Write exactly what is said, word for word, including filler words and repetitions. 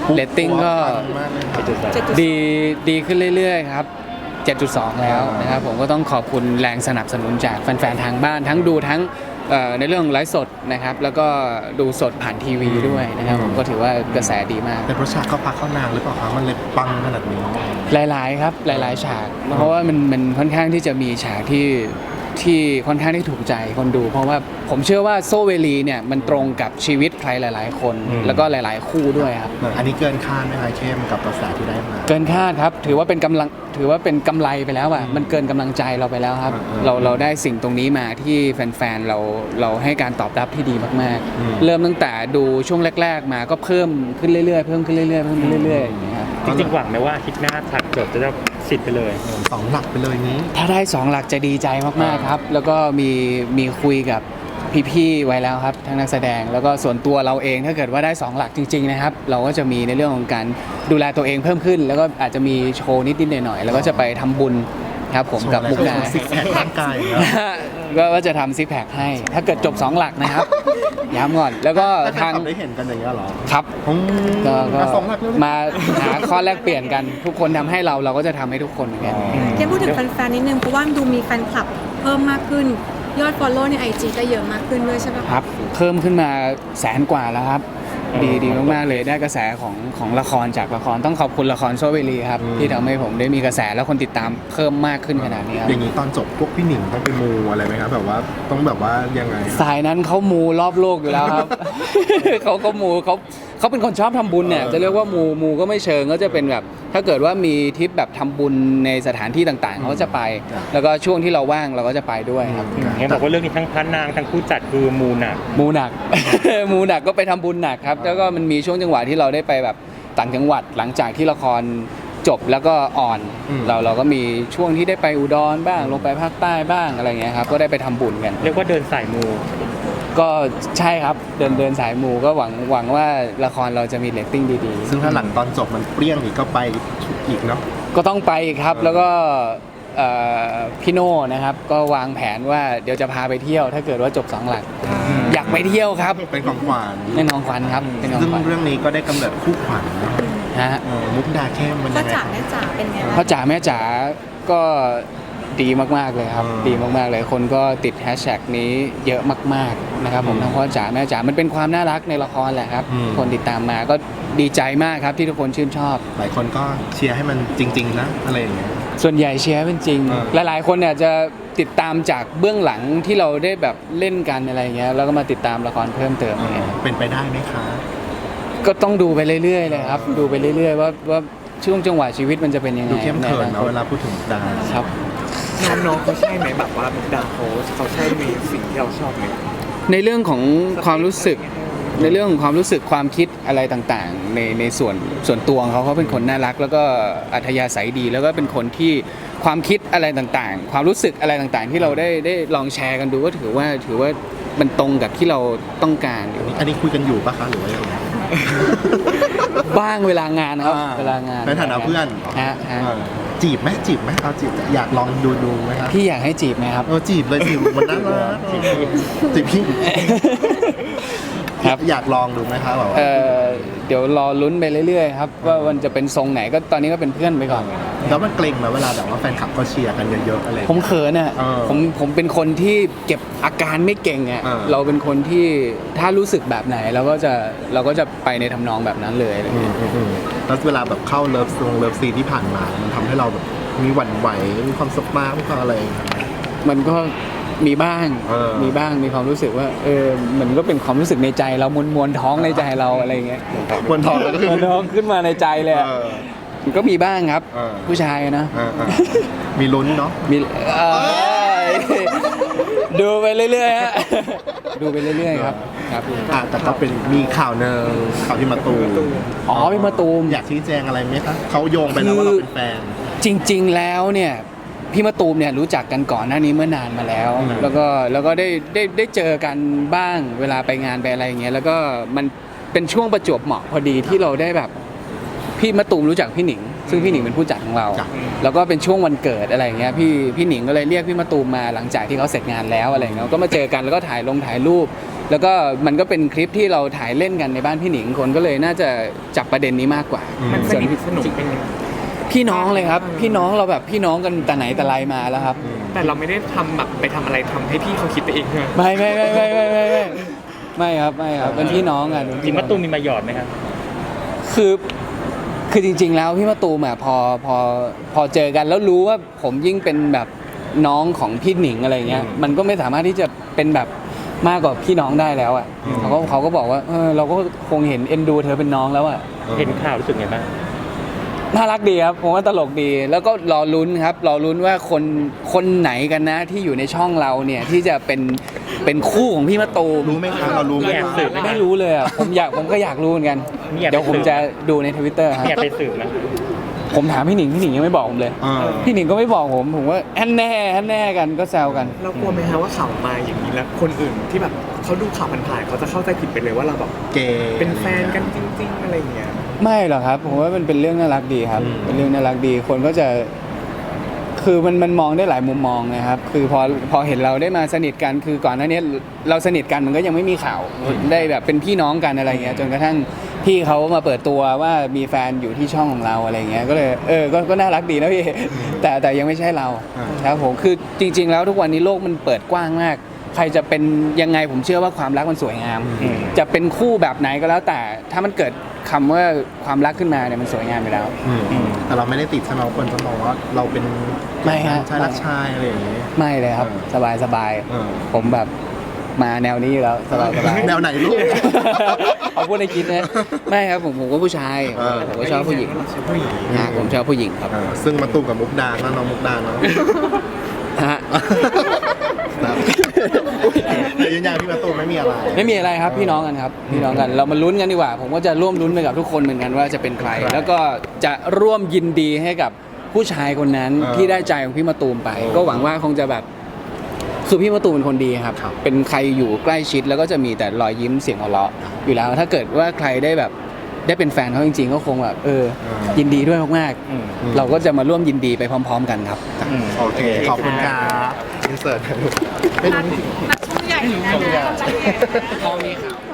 เรตติ้งก็ดีดีขึ้นเรื่อยๆครับ เจ็ดจุดสอง แล้วนะครับผมก็ต้องขอบคุณแรงสนับสนุนจากแฟนๆทางบ้านทั้งดูทั้งในเรื่องไลฟ์สดนะครับแล้วก็ดูสดผ่านทีวีด้วยนะครับผมก็ถือว่ากระแสดีมากแต่เพราะฉากเขาพักเข้านานหรือเปล่าครับมันเลยปังขนาดนี้หลายๆครับหลายๆฉากเพราะว่ามันมันค่อนข้างที่จะมีฉากที่ที่ค่อนข้างที่ถูกใจคนดูเพราะว่าผมเชื่อว่าโซเวลีเนี่ยมันตรงกับชีวิตใครหลายๆคนแล้วก็หลายๆคู่ด้วยครับอันนี้เกินคาดไหมครับเข้มกับกระแสที่ได้มาเกินคาดครับถือว่าเป็นกำลังถือว่าเป็นกำไรไปแล้วอ่ะมันเกินกำลังใจเราไปแล้วครับเราเราได้สิ่งตรงนี้มาที่แฟนๆเราเราให้การตอบรับที่ดีมากๆเริ่มตั้งแต่ดูช่วงแรกๆมาก็เพิ่มขึ้นเรื่อยๆเพิ่มขึ้นเรื่อยๆเพิ่มขึ้นเรื่อยๆอย่างเงี้ยครับจริงๆหวังไหมว่าอาทิตย์หน้าฉากจบจะได้สิบไปเลยสองหลักไปเลยนี้ถ้าได้สองหลักจะดีใจมากๆครับแล้วก็มีมีคุยกับพี่ๆไว้แล้วครับทั้งนักแสดงแล้วก็ส่วนตัวเราเองถ้าเกิดว่าได้สองหลักจริงๆนะครับเราก็จะมีในเรื่องของการดูแลตัวเองเพิ่มขึ้นแล้วก็อาจจะมีโชว์นิดๆหน่อยๆแล้วก็จะไปทำบุญครับผมกับมุกดาซิกแพคร่างกายก็จะทำซิกแพคให้ถ้าเกิดจบสองหลักนะครับย้ำก่อนแล้วก็ทางได้เห็นกันอย่างนี้หรอครับก็มาหาข้อแลกเปลี่ยนกันทุกคนทำให้เราเราก็จะทำให้ทุกคนเหมือนกันเกมพูดถึงแฟนๆนิดนึงเพราะว่าดูมีแฟนคลับเพิ่มมากขึ้นยอด follow ใน ไอ จี ก็เยอะมากขึ้นด้วยใช่ไหมครับเพิ่มขึ้นมาแสนกว่าแล้วครับดีดีมากๆเลยได้กระแสของของละครจากละครต้องขอบคุณละครโซเวลีครับที่ทำให้ผมได้มีกระแสแล้วคนติดตามเพิ่มมากขึ้นขนาดนี้ครับอย่างนี้ตอนจบพวกพี่หนิงต้องไปมูอะไรไหมครับแบบว่าต้องแบบว่ายังไงสายนั้นเขามูรอบโลกอยู่แล้วครับ เขาก็มูเขาเขาเป็นคนชอบทำบุญเนี่ยจะเรียกว่ามูมูก็ไม่เชิงก็จะเป็นแบบถ้าเกิดว่ามีทริปแบบทำบุญในสถานที่ต่างๆเขาจะไป แล้วก็ช่วงที่เราว่างเราก็จะไปด้วยครับเห็นบอกว่าเรื่องนี้ทั้งพระนางทั้งผู้จัดคือมูหนักมูหนัก มูหนักก็ไปทำบุญหนักครับแล้วก็มันมีช่วงจังหวะที่เราได้ไปแบบต่างจังหวัดหลังจากที่ละครจบแล้วก็อ่อนเราเราก็มีช่วงที่ได้ไปอุดรบ้างลงไปภาคใต้บ้างอะไรเงี้ยครับก็ได้ไปทำบุญกันเรียกว่าเดินสายมูก็ใช่ครับเดินเดินสายมูก็หวังหวังว่าละครเราจะมีเรตติ้งดีๆซึ่งถ้าหลังตอนจบมันเปรี้ยงอีกก็ไปอีกเนาะก็ต้องไปครับแล้วก็พี่โน่นะครับก็วางแผนว่าเดี๋ยวจะพาไปเที่ยวถ้าเกิดว่าจบสองหลักอยากไปเที่ยวครับเป็นของขวัญเป็นของขวัญครับซึ่งเรื่องนี้ก็ได้กำเนิดคู่ขวัญฮะมุกดาเข้มมันพ่อจ๋าแม่จ๋าเป็นไงพ่อจ๋าแม่จ๋าก็ดีมากๆเลยครับดีมากๆเลยคนก็ติดแฮชแท็กนี้เยอะมากๆนะครับผมทั้งพ่อจ๋าแม่จ๋ามันเป็นความน่ารักในละครแหละครับคนติดตามมาก็ดีใจมากครับที่ทุกคนชื่นชอบหลายคนก็เชียร์ให้มันจริงๆนะอะไรอย่างเงี้ยส่วนใหญ่เชียร์เป็นจริงหลายๆคนเนี่ยจะติดตามจากเบื้องหลังที่เราได้แบบเล่นกันอะไรเงี้ยแล้วก็มาติดตามละครเพิ่มเติมอะไรเงี้ยเป็นไปได้ไหมคะก็ต้องดูไปเรื่อยๆเลยครับดูไปเรื่อยๆว่าว่าช่วงจังหวะชีวิตมันจะเป็นยังไงดูเข้มเขินนะเวลาพูดถึงดาครับน้องๆเขาใช่ไหมแบบว่ามุกดาเขาเขาใช่มีสิ่งที่เราชอบไหมในเรื่องของความรู้สึกในเรื่องของความรู้สึกความคิดอะไรต่างๆในในส่วนส่วนตัวของเขาเขาเป็นคนน่ารักแล้วก็อัธยาศัยดีแล้วก็เป็นคนที่ความคิดอะไรต่างๆความรู้สึกอะไรต่างๆที่เราได้ได้ลองแชร์กันดูก็ถือว่าถือว่ามันตรงกับที่เราต้องการอันนี้คุยกันอยู่ปะคะหรือว่ายังไงบ้างเวลางานนะครับเวลางานในฐานะเพื่อนฮะจีบไหมจีบไหมเอาจีบอยากลองดูดูไหมครับพี่อยากให้จีบไหมครับเออจีบเลยจีบมันน่ารักจีบพี่อยากลองดูไหมครับแบบเออเดี๋ยวรอลุ้นไปเรื่อยๆครับว่ามันจะเป็นทรงไหนก็ตอนนี้ก็เป็นเพื่อนไปก่อนแล้วมันเกรงไหมเวลาแบบว่าแฟนคลับก็เชียร์กันเยอะๆอะไรผมเขินอ่ะผมผมเป็นคนที่เก็บอาการไม่เก่งอ่ะเราเป็นคนที่ถ้ารู้สึกแบบไหนเราก็จะเราก็จะไปในทำนองแบบนั้นเลยแล้วเวลาแบบเข้าเลิฟซงเลิฟซีที่ผ่านมามันทำให้เราแบบมีหวั่นไหวมีความสุขมากมีความอะไรมันก็มีบ้างมีบ้างมีความรู้สึกว่าเออมันก็เป็นความรู้สึกในใจเรามวลมวลท้องในใจเราอะไรเงี้ยมวลท้องมวลท้องขึ้นมาในใจเลยมันก็มีบ้างครับผู้ชายนะมีลุ้นเนาะมีดูไปเรื่อยๆฮะดูไปเรื่อยๆครับครับแต่ก็เป็นมีข่าวเนึงข่าวที่มาตูมอ๋อพี่มาตูมอยากชี้แจงอะไรไหมครับเขาโยงไปแล้วว่าเราเป็นแฟนจริงๆแล้วเนี่ยพี่มะตูมเนี่ยรู้จักกันก่อนหน้านี้เมื่อนานมาแล้วแล้วก็แล้วก็ได้ได้ได้เจอกันบ้างเวลาไปงานไปอะไรอย่างเงี้ยแล้วก็มันเป็นช่วงประจวบเหมาะพอดีที่เราได้แบบพี่มะตูมรู้จักพี่หนิงซึ่งพี่หนิงเป็นผู้จัดของเราจ้ะแล้วก็เป็นช่วงวันเกิดอะไรอย่างเงี้ยพี่พี่หนิงก็เลยเรียกพี่มะตูมมาหลังจากที่เขาเสร็จงานแล้วอะไรอย่างเงี้ยก็มาเจอกันแล้วก็ถ่ายลงถ่ายรูป แล้วก็มันก็เป็นคลิปที่เราถ่ายเล่นกันในบ้านพี่หนิงคนก็เลยน่าจะจับประเด็นนี้มากกว่ามันสส่วนนิทสนุกเป็นพี่น้องเลยครับ พี่น้องเราแบบพี่น้องกันแต่ไหนแต่ไรมาแล้วครับแต่เราไม่ได้ทำแบบไปทำอะไรทำให้พี่เขาคิดไปเองใช่ไหมไม่ไม่ไม่ไม่ไม่ไม่ไม่ไม่ครับไม่ครับเป็นพี่น้องกันจริงมะตูมมีมาหยอดไหมครับคือคือจริง ๆ แล้วพี่มะตูมอ่ะพอพอพอเจอกันแล้วรู้ว่าผมยิ่งเป็นแบบน้องของพี่หนิงอะไรเงี้ยมันก็ไม่สามารถที่จะเป็นแบบมากกว่าพี่น้องได้แล้วอ่ะเขาก็เขาก็บอกว่าเออเราก็คงเห็นเอ็นดูเธอเป็นน้องแล้วอ่ะเห็นข่าวรู้สึกไงบ้างน่ารักดีครับผมว่าตลกดี แล้วก็รอลุ้นครับรอลุ้นว่าคนคนไหนกันนะที่อยู่ในช่องเราเนี่ยที่จะเป็นเป็นคู่ของพี่มะตูมรู้ไหมคะเรารู้ไหมแอบคะสืบไม่รู้เลยอ่ะผมอยากผมก็อยากรู้เหมือนกันมีแอบเดี๋ยวผมจะดูในทวิตเตอร์ครับอยากไปสืบไหมผมถามพี่หนิงพี่หนิงยังไม่บอกผมเลยเออพี่หนิงก็ไม่บอกผมผมว่าแอนแน่แอนแน่กันก็แซวกันเรากลัวไหมฮะว่าข่าวมาอย่างนี้แล้วคนอื่นที่แบบเขาดูข่าวผ่านๆเขาจะเข้าใจผิดไปเลยว่าเราแบบเกย์เป็นแฟนกันจริง ๆ อะไรอย่างเงี้ยไม่หรอกครับผมว่ามันเป็นเรื่องน่ารักดีครับอืมเป็นเรื่องน่ารักดีคนก็จะ คือมันมันมองได้หลายมุมมองนะครับ คือพอพอเห็นเราได้มาสนิทกันคือก่อนหน้านี้เราสนิทกันมันก็ยังไม่มีข่าวได้แบบเป็นพี่น้องกันอะไรเงี้ยจนกระทั่งพี่เขามาเปิดตัวว่ามีแฟนอยู่ที่ช่องของเราอะไรเงี้ยก็เลยเออก็ก็น่ารักดีนะพี่ แต่แต่ยังไม่ใช่เราอ่าครับผมคือจริง ๆ แล้วทุกวันนี้โลกมันเปิดกว้างมาก ใครจะเป็นยังไงผมเชื่อว่าความรักมันสวยงามอืมจะเป็นคู่แบบไหนก็แล้วแต่ถ้ามันเกิดคำว่าความรักขึ้นมาเนี่ยมันสวยงามไปแล้วอืมแต่เราไม่ได้ติดใช่ไหมว่าคนจะมองว่าเราเป็นไม่ฮะชายรักชายอะไรอย่างนี้ไม่เลยครับเออสบายสบายเออผมแบบมาแนวนี้อยู่แล้วสบายสบายแนวไหนลูกเอาพูดในคิดนะไม่ครับผมผมก็ผู้ชายเออผมก็ชอบผู้หญิงเราชอบผู้หญิงนะผมชอบผู้หญิงครับเออซึ่งมาตุ้มกับมุกดาแล้วน้องมุกดาเนาะฮะครับแต่ยืนยันพี่มาตุ้มไม่มีอะไรไม่มีอะไรครับพี่น้องกันครับพี่น้องกันเรามาลุ้นกันดีกว่า ผมก็จะร่วมลุ้นไปกับทุกคนเหมือนกันว่าจะเป็นใครใครแล้วก็จะร่วมยินดีให้กับผู้ชายคนนั้นเออที่ได้ใจของพี่มะตูมไปโอ้ก็หวังว่าคงจะแบบคือพี่มะตูมเป็นคนดีครับครับเป็นใครอยู่ใกล้ชิดแล้วก็จะมีแต่รอยยิ้มเสียงหัวเราะอยู่แล้ว ถ้าเกิดว่าใครได้แบบได้เป็นแฟนเขาจริงๆ ก็คงแบบเออ ยินดีด้วยมากอืมๆเราก็จะมาร่วมยินดีไปพร้อม ๆ กันครับอืมโอเค ขอบคุณครับอินเสิร์ตไม่รู้นักสู้ใหญ่นะพอมีข่าว